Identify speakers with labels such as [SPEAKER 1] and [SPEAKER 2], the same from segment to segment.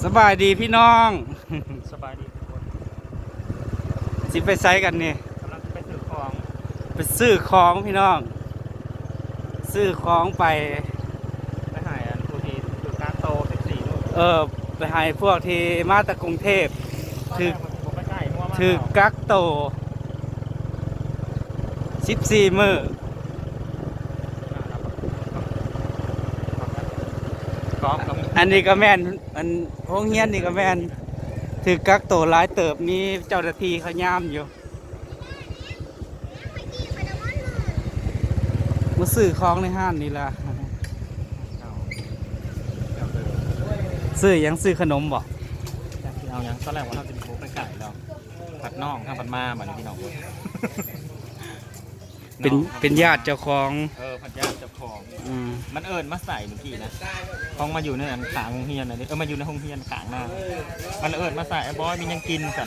[SPEAKER 1] สบายดีพี่น้อง
[SPEAKER 2] สบายดีทุกคน
[SPEAKER 1] สิไปไซกันนี่
[SPEAKER 2] กำลังไปซื้อของ
[SPEAKER 1] ไปซื้อของพี่น้อง ซื้อของไป
[SPEAKER 2] ไปหายอันผู้ที่ถือการโต14ลูก
[SPEAKER 1] ไปให้พวกที่มาจากกรุงเทพถือ
[SPEAKER 2] ผมไปใกล้หัวมา
[SPEAKER 1] ถือกักโต14มื้อ
[SPEAKER 2] กองกับ
[SPEAKER 1] อันนี้ก็แม่นอันโรงเรียนนี่ก็แม่นถือกักโตหลายเติบมีเจ้าหน้าที่เขาย่ามอยู่มาซื้อของในห้างนี่ล่ะซื้อหยังซื้อขนมบ่
[SPEAKER 2] เอาอย่างตอนแรกว่าเราจะบุกไปไก่แล้วผัดน่องข้างผัดมาเหมือนพี่น้องเลย
[SPEAKER 1] เป็นญาติเจ้าของ
[SPEAKER 2] ผัดยาเจ้าของ
[SPEAKER 1] อืม
[SPEAKER 2] มันมาใส่เมื่อกี้นะห้องมาอยู่ในอันขางโรงเรียนอะไรมาอยู่ในห้องเรียนขางหน้ามันมาใส่ไอ้บอยมียังกินสัน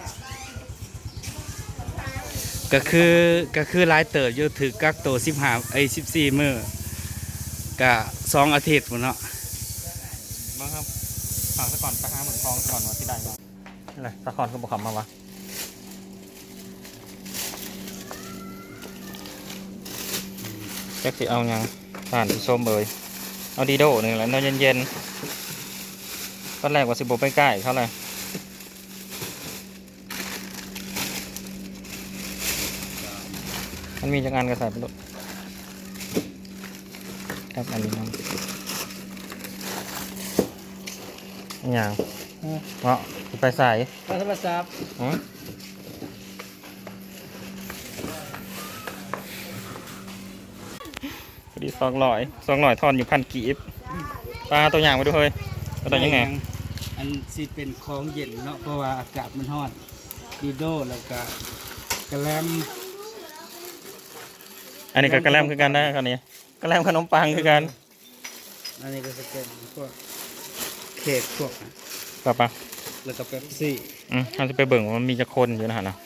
[SPEAKER 1] ก็คือหลายเติบอยู่ถือกักโต14 มื้อก็2 อาทิตย์พุ่นเนาะ
[SPEAKER 2] มาครับฝากซะก่อนไปหาหมึกทองซะก่อนว่าที่ใดบ้างอะไรตะคอนก็บอกคำมาวะแจ็คสิเอายังผ่านผู้ชมเลยเอาดีโดหนึ่งแล้วนอนเย็นๆตอนแรกว่าสิบไปใกล้เขาเลยมันมีจังงานกระใส่ไปลูกครับอันนี้น้ำอย่างเพราะไปใส่
[SPEAKER 1] โทรศัพท์
[SPEAKER 2] พอดี200ทอนอยู่1,000 กีบปลาตัวอย่างมาดูเฮ้ยตัวยังไง
[SPEAKER 1] อันสิเป็นของเย็นเนาะเพราะว่าอากาศมันร้อนดีโดแล้วก็กระแลม
[SPEAKER 2] อันนี้ก็กระแลมคือกันได้คราวนี้กระแลมขนมปังคือกัน
[SPEAKER 1] อันนี้ก็จะเป็นพวกเค้กพวก
[SPEAKER 2] ป่ะปะ
[SPEAKER 1] แล้วก็เป๊ปซี่
[SPEAKER 2] เราจะไปเบิ่งว่ามันมีจะคนอยู่นะฮะนะ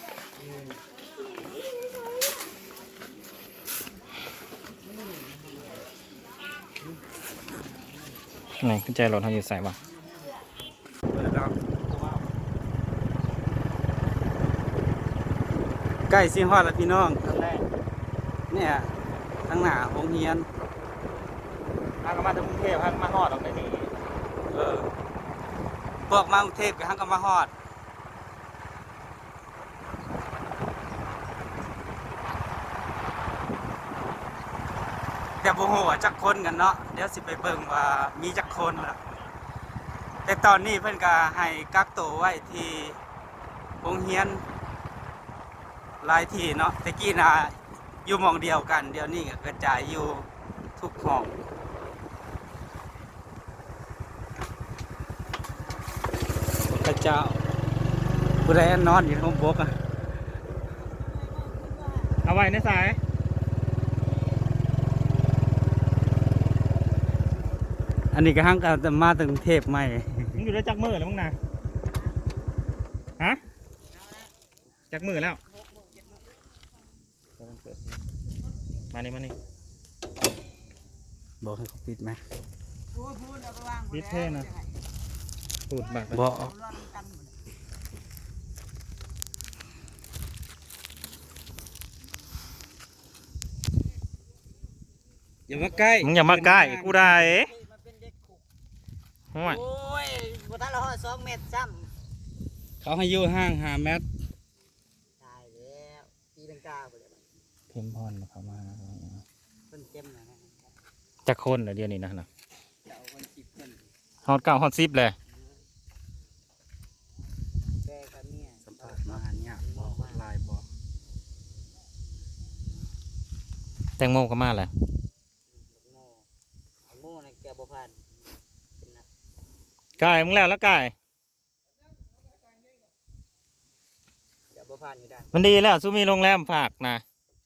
[SPEAKER 2] ไหนกุญแจรถเขาอยู่ใส่ป่ะ
[SPEAKER 1] ใกล้สิฮอดแล้วพี่น้อง
[SPEAKER 2] ครั้งแรก
[SPEAKER 1] เนี่ยทั้งหน้าโรงเรียน
[SPEAKER 2] พากันมาถึงกรุงเทพพากันมาฮอดออกไปนี่
[SPEAKER 1] พวกมากรุงเทพก็หังก็มาฮอดแต่บ่ฮู้ว่าจักคนกันเนาะเดี๋ยวสิไปเบิ่งว่ามีจักคนล่ะแต่ตอนนี้เพิ่นก็ให้กักตัวไว้ที่โรงเรียนหลายที่เนาะแต่กี้น่ะอยู่หม้องเดียวกันเดี๋ยวนี้ก็กระจายอยู่ทุกห้องพระเจ้าผู้ใดนอนอยู่ข้างบกอ่ะ
[SPEAKER 2] เอาไว้ในสาย
[SPEAKER 1] อันนี้ก็หังก็จะมาถึงกรุงเทพใหม่
[SPEAKER 2] มึงอยู่ได้จักมือแล้วมึงนะฮะจักมือแล้วมานี่
[SPEAKER 1] บอกให้เขาปิดไหม
[SPEAKER 2] ปิดเท่นะตูดบัก
[SPEAKER 1] บอกอย่ามาใกล้
[SPEAKER 2] มึงอย่ามาใกล้กูได้ห่วย
[SPEAKER 3] โอ้ยบ่ทันละฮอด2 เมตรซ้
[SPEAKER 1] เขาให้อยู่ห่าง5 เมตร
[SPEAKER 3] ำตายแล้วตีลังกาบ่ได้
[SPEAKER 2] เข้มพอนเข้ามา
[SPEAKER 3] เพิ่นเจ็มนะนะ
[SPEAKER 2] จักคนเหรอเดี๋ยวนี้นะ
[SPEAKER 3] เจ้าเพิ่น10เพิ่น
[SPEAKER 2] ฮอด9ฮอด10เลย
[SPEAKER 3] แกกับเมีย
[SPEAKER 1] สัมภาษณ์มาเนี่ยบอกลายบอก
[SPEAKER 2] แตงโมก็มาแหละ
[SPEAKER 3] โง่โง่นะแกบ่ผ่านเป็นนัก
[SPEAKER 2] กายมึงแล้วกาย
[SPEAKER 3] แกบ่ผ่านอยู่ด้าน
[SPEAKER 2] มันดีแล้วซูมีโรงแรมฝากนะ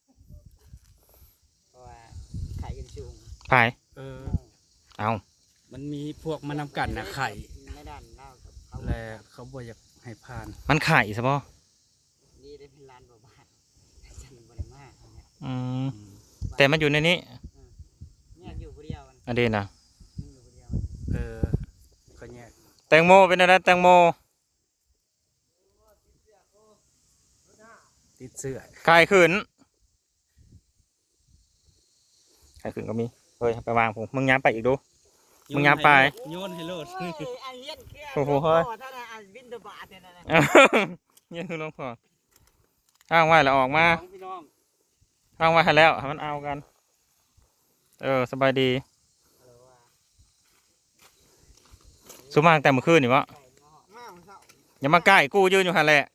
[SPEAKER 3] เพราะว่าไข่กันสูง
[SPEAKER 2] ผาย เอา
[SPEAKER 1] มันมีพวกมานำกันนะไข่
[SPEAKER 3] ในด้านลาวกับเขา
[SPEAKER 1] และเขาบ่อยากให้ผ่าน
[SPEAKER 2] มันไข่ใช่ปะ
[SPEAKER 3] ดีได้เป็นล้านบ่บาทฉันบ่ได้มาเนี่ย
[SPEAKER 2] แต่มันอยู่ในนี้
[SPEAKER 3] เนี่ยอยู่ผู้เดียวมัน
[SPEAKER 2] อันเดีนะ
[SPEAKER 3] อยู่ผู้เดียว
[SPEAKER 1] เออก็แยก
[SPEAKER 2] แตงโมเป็นอะไรแตงโม
[SPEAKER 1] ติดเสื้อ
[SPEAKER 2] ไข่ขึ้นไข่ขึ้นก็มีเฮ้ยไปวางผมมึงย้ำไปอีกดู มึงย้ำไป
[SPEAKER 1] โยนให้โลด
[SPEAKER 3] โอ้ยอันเลี้ยนเครียด
[SPEAKER 2] โอ้โหเฮ้ย
[SPEAKER 3] ถ้าน่ะอันบินเดอะบาทเนี่ยนะ
[SPEAKER 2] เนี่ยคือหลวงพ่ออ้างไว้แล้วออกมา
[SPEAKER 1] พี่น้อง
[SPEAKER 2] อ้างไว้ให้แล้วให้มันเอากันสบายดีสุมาตั้งแต่เมื่อคืนนี่วะ
[SPEAKER 3] มาของเศร้า
[SPEAKER 2] อย่ามาใกล้กูยืนอยู่หันแหละ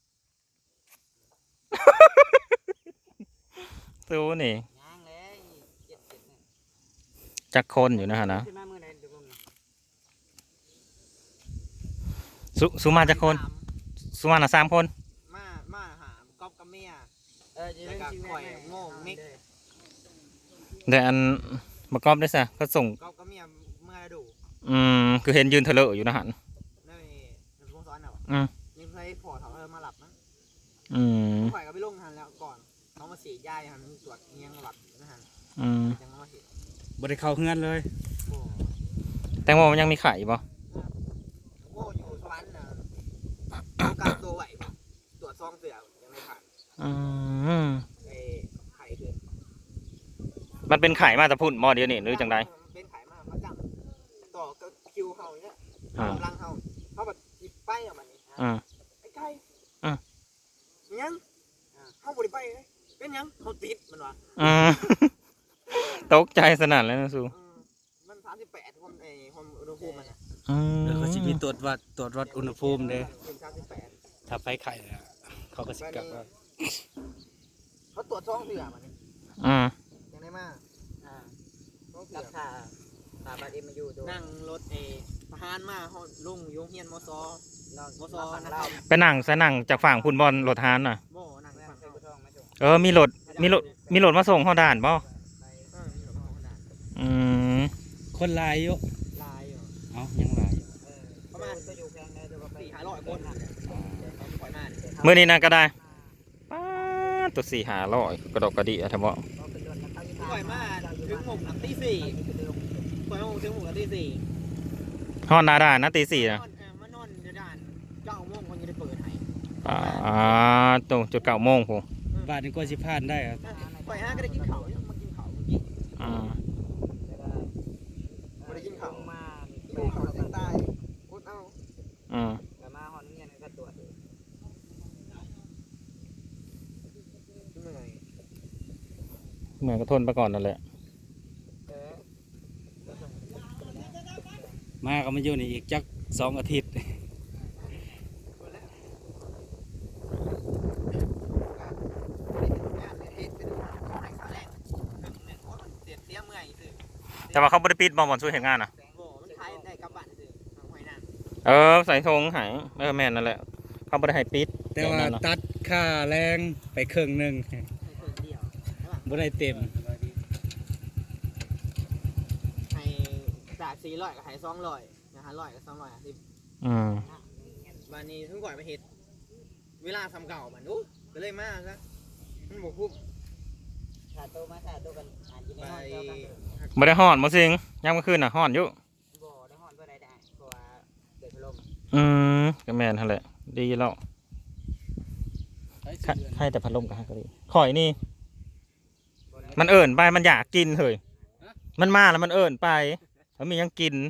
[SPEAKER 2] สู้นี่
[SPEAKER 3] ย่างเลยเจ็ดเนี่ย
[SPEAKER 2] จักคนอยู่นะฮะนะ
[SPEAKER 3] ขึ้นมาเมื่อไหร่เดี๋ยวผม
[SPEAKER 2] สุมาจักคนสุมาน่ะ3 คน
[SPEAKER 3] มาหาก๊อฟกับเมียแล้วก็ข่อยโง่มิก
[SPEAKER 2] แต่อันมากรอบได้ซะเขาส่ง
[SPEAKER 3] ก๊อฟกับเมียเมื่อดู
[SPEAKER 2] คือเห็นยืนเถลออยู่นะหัน
[SPEAKER 3] นี่ในวงซ้อนเอา
[SPEAKER 2] อืม
[SPEAKER 3] ยังเคยพอเขามาหลับนะ
[SPEAKER 2] อืม
[SPEAKER 3] ข่อยก็ไปลงทันแล้วก่อนเขามาสีย่ายหันตรวจเงี้ยงหลับนะฮะ
[SPEAKER 2] อืม
[SPEAKER 3] ยังมาเห็น
[SPEAKER 1] บ่ได้เข้าเฮือนเลย
[SPEAKER 3] โอ้
[SPEAKER 2] แตงโมมันยังมีไข่ป่ะ
[SPEAKER 3] โง่อยู่สวรรค์นะเอาการตัวไหวปะตรวจซองเสือยังไม่ผ่าน ไอ้ไข่คือ
[SPEAKER 2] มันเป็นไข่มาแต่พุ่นหม้อเดียวนี่หรือจังได
[SPEAKER 3] เป็นไข่มากมาจับต่อกับคิวเฮาเนี่ย
[SPEAKER 2] อ่า
[SPEAKER 3] กำลังเฮาเขาแบบหยิบไปออกมานี่
[SPEAKER 2] อืม
[SPEAKER 3] ไอ้ไก่
[SPEAKER 2] อ่ะ
[SPEAKER 3] ยังเฮาบริไปเลยเป็นยังเขาติดมันวะ
[SPEAKER 2] ตกใจสนั่นเลยนะสู
[SPEAKER 3] มัน38ความความอุณหภูมิมันอ่ะ
[SPEAKER 1] เดี๋ยวเขาสิมีตรวจวัดอุณหภูมิเด้
[SPEAKER 3] เป็น38
[SPEAKER 1] ถ้าไฟไข่อะเขาก็สิกลับว่า
[SPEAKER 3] เขาตรวจซองเสือมันนี่
[SPEAKER 2] อืม
[SPEAKER 3] ยังได้มากกับขาบาดเอ็มมาอยู่นั่งรถทหารมาเฮาลุงยงเฮียนมซมซนะครับ
[SPEAKER 2] ไปนั่งใส่นั่งจากฝั่งพุ่นบอลรถฮานน่ะ
[SPEAKER 3] โม่นั่งฝั่งไทยทองมาส่ง
[SPEAKER 2] มีรถมาส่งเข้าด่านป่ะ
[SPEAKER 3] มีรถมาขนาด
[SPEAKER 2] อืม
[SPEAKER 1] คนหลายอยู่
[SPEAKER 3] ลายอยู่
[SPEAKER 1] เอ้ายังหลายอยู่
[SPEAKER 3] ประมาณก็อยู่แพงได้400-500คนปล่อยมา
[SPEAKER 2] เมื่อนี้นะก็ได้ป๊าดตัว400-500กระดกกระดิอะทำบ่
[SPEAKER 3] ปล่อยมาถึงหมกหลังตี4ปล่อยมาถึงหมกหลังตี4
[SPEAKER 2] ฮอดหนาด่านนะตี 4นะ
[SPEAKER 3] มานอนเดี๋ยวด่าน9 โมงคนจะได้เปิดให้
[SPEAKER 2] ตรงจุด9 โมงผม
[SPEAKER 1] บาทนี้ก็สิพลาดได้ครับ
[SPEAKER 3] ปล่อย5ก็ได้กินข้าวมากินข้าวเมื่อกี้
[SPEAKER 2] อืม
[SPEAKER 3] ไม่ได้กินข้าวมากินข้าวเสียงใต้อดเอา
[SPEAKER 2] อืม
[SPEAKER 3] แต่มาหอนเงี้ยก็ตรวจเหนื่อย
[SPEAKER 2] เหมือนก็ทนไปก่อนนั่นแหละ
[SPEAKER 1] มาก็มาอยู่นี่อีกจัก2 อาทิตย์
[SPEAKER 2] แต่ว่าเขาบริปิดบอลช่วยเห็นงานนะ
[SPEAKER 3] โอ้มันใช้ได้กลับบ้านซื้อทางห้วยนั่น
[SPEAKER 2] ใส่ธงหายแม่นนั่นแหละเขาบริให้ปิด
[SPEAKER 1] แต่ว่าตัดค่าแรงไปครึ่งหนึง
[SPEAKER 3] เดียว
[SPEAKER 1] บ่ได้เต็ม
[SPEAKER 3] ให้จาก400ก็ให้200นะ500ก็250
[SPEAKER 2] อืม
[SPEAKER 3] วันนี้ทุกก่อนมาเฮ็ดเวลาทำเก่ามันอู้ก็เลยมาซะมันบ่คุ้มถ้าโตมาถ้าโตกันอาจจะได้เท่ากัน
[SPEAKER 2] ไม่ได้ห่อนมาสิงยังเมื่อคืนน่ะห่อนอยู่
[SPEAKER 3] บ่ได้ฮ้อนบ่ได้เพราะว่าเกิดพัดลม
[SPEAKER 2] ก็แม่นนั่นแหละดีแล้วให้แต่พัดลมกับให้ก็ดีข่อยนี่ มันเอิ่นไปมันอยากกินเฮ้ยมันมาแล้วมันเอิ่นไปแล้วมียังกิน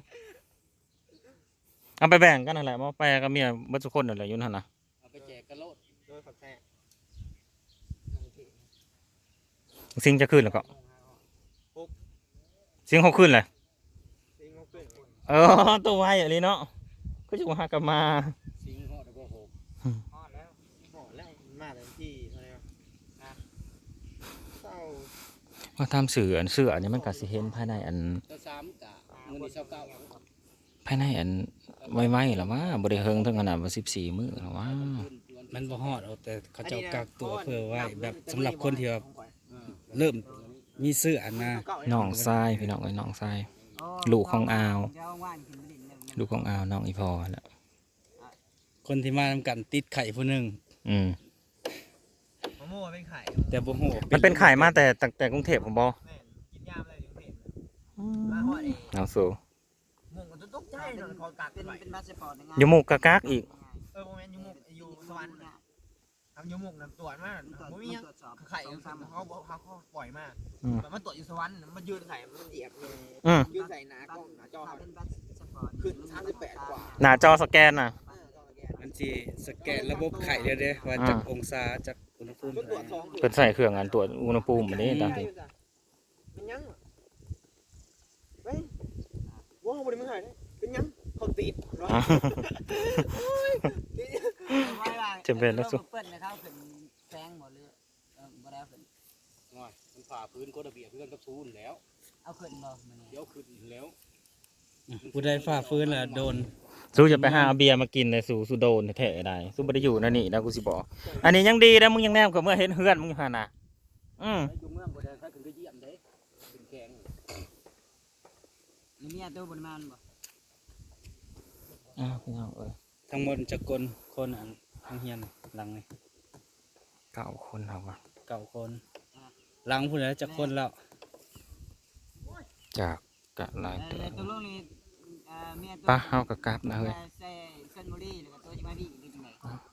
[SPEAKER 2] เอาไปแบ่งกันนั่นแหละมาไปกับเมียเบิดทุกคนนั่นแหละอยู่นั่นน่ะ
[SPEAKER 1] เอาไปแจกกระโลด
[SPEAKER 3] โดยขับแท้
[SPEAKER 2] สิงจะขึ้นแล้วก็สิง6ขึ้นเลย
[SPEAKER 3] สิงเขาขึ้น
[SPEAKER 2] ตัวไวอย่างนี้เนาะก็จะมากับมา
[SPEAKER 1] สิงฮอดบ่โห
[SPEAKER 3] ฮอดแล้วฮอดแล้วมาเต็มที่เท่าไหร่เศร้า
[SPEAKER 2] ว่าทำเสืออันนี้มันก็สิเห็นภายในอัน
[SPEAKER 1] ตัว3กะมื้อนี้29
[SPEAKER 2] ภายในอันไว้ๆหรอวะบริเฮิงถึงขนาดว่า14 มื้อหรอวะ
[SPEAKER 1] มันบ่ฮอดเอาแต่เขาเจ้ากักตัวเพื่อไว้แบบสำหรับคนที่แบบเริ่มมีเสื้อนะ
[SPEAKER 2] น้องทรายพี่น้องไอ้น้องทรายลูกของอาวลูกของอาวน้องอีพอแหละ
[SPEAKER 1] คนที่มาทำกันติดไข่ผู้หนึง
[SPEAKER 2] อืม
[SPEAKER 3] มะม่วงเป็นไข่
[SPEAKER 1] แต่บ่ฮู้
[SPEAKER 2] มันเป็นไข่มาแต่กรุงเทพผมบอ
[SPEAKER 3] แม่กินยามเลยถึงเผ็ดมาฮอดเอง
[SPEAKER 2] น้องสู
[SPEAKER 3] งงกันตกใจให้หน่อยขอกาก
[SPEAKER 4] เป็น
[SPEAKER 3] ไว้
[SPEAKER 4] เป็นพาสปอร์ต
[SPEAKER 2] อยู่หมู่กะกักอีก
[SPEAKER 3] โมเมนต์ยูมุกอยู่สวรรค์ทำยูมุกนำตรวจมากผมมีไข่เขาปล่อยมากแบบมันตรวจอยู่สวรรค์มันยืนไข่มันเหยียบยืนใส่หนากล้องหนาจอขึ้น38กว่า
[SPEAKER 2] หน้าจอสแกนน่ะ
[SPEAKER 1] อันที่สแกนระบบไข่เด้อว่าจากองศาจากอุณหภูมิ
[SPEAKER 3] ตรวจ2
[SPEAKER 2] เพิ่นใส่เครื่องอันตรวจอุณหภูมิอันนี้ตามที่
[SPEAKER 3] เป็นยังเฮ้ยว้าวบริมึงหายเป็นยังเขาติด
[SPEAKER 2] จะเป็นแล้วสุ
[SPEAKER 4] เปิ้ลนะครับเป็นแซงหมดเลยบ่ได้เป็น
[SPEAKER 5] ง่อยมันฝ่าพื้นกฎระเบียบเพื่อนกับซูนแล้ว
[SPEAKER 4] เอาขึ้นบ่มื้อนี้
[SPEAKER 5] เดี๋ยวขึ้นแล้ว
[SPEAKER 1] ผู้ใดฝ่าฟื้นล่ะโดน
[SPEAKER 2] สู้จะไปหาเอาเบียร์มากินเลยสู้โดนแท้ๆได้สู้บ่ได้อยู่นั่นนี่นะกูสิบอกอันนี้ยังดีนะมึงยังแนมกับเมื่อเห็นเฮือนมึงอยู่หั่นน่ะ
[SPEAKER 5] อยู่เมืองบ่ได้ใครขึ้นไปเยี่ยมเด้เป็นแข็ง
[SPEAKER 4] มีเมียตัวบ่ได้มาบ่
[SPEAKER 2] พี่น้องเอ้ย
[SPEAKER 1] ทั้งหมดจักคนอันทางเฮียนหลังนี่
[SPEAKER 2] 9 คนเอาวะ
[SPEAKER 1] 9 คนหลังผู้ใดจักคนแล้ว
[SPEAKER 2] จากกะหลายเติ
[SPEAKER 4] แต่
[SPEAKER 2] บ
[SPEAKER 4] ตัวลูกนี่เมียตัว
[SPEAKER 2] ปะเฮากะกลับนะเฮ้ย
[SPEAKER 4] ใส่เส้นบุรีหรือ